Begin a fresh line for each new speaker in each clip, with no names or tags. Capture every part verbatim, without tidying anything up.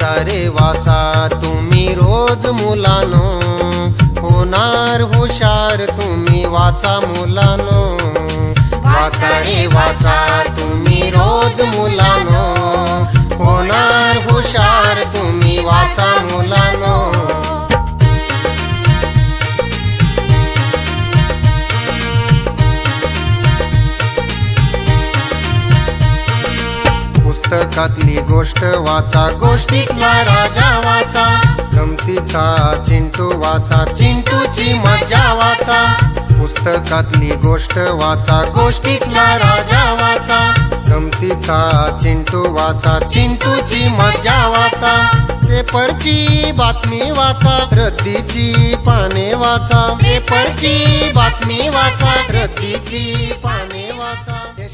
वाचा रे वाचा तुम्ही रोज मुलानो, होणार हुशार तुम्ही वाचा मुलानो। वाचा रे वाचा तुम्ही रोज मुलानो, होणार हुशार तुम्ही वाचा मुलानो। पुस्तकातली गोष्ट वाचा, गोष्टीतला राजा वाचा, गमतीचा चिंटू वाचा, चिंटूची मज्जा वाचा। पुस्तकातली गोष्ट वाचा, गोष्टीतला राजा वाचा, गमतीचा चिंटू वाचा, चिंटूची मज्जा वाचा। पेपरची बातमी वाचा, रद्दीची पाने वाचा, पेपरची बातमी वाचा, रद्दीची पाने वाचा।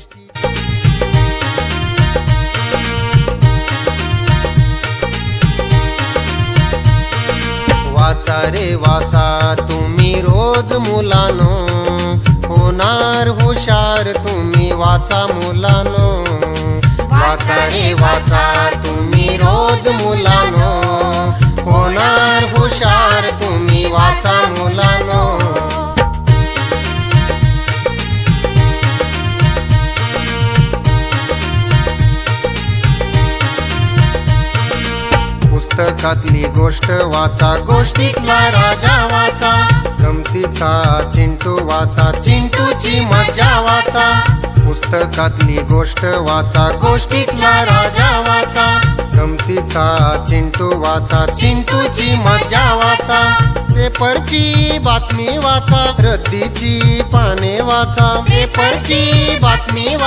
वाचा रे वाचा तुम्ही रोज मुलानो, होणार हुशार तुम्ही वाचा मुलानो। वाचा रे वाचा तुम्ही रोज मुलानो, होणार हुशार तुम्ही वाचा मुलानो। पुस्तकातली गोष्ट वाचा, गोष्टीतला राजा वाचा, गमतीचा चिंटू वाचा, चिंटूची मज्जा वाचा। पुस्तकातली गोष्ट वाचा, गोष्टीतला राजा वाचा, गमतीचा चिंटू वाचा, चिंटूची मज्जा वाचा। पेपरची बातमी वाचा, रद्दीची पाने वाचा, पेपरची बातमी वाचा।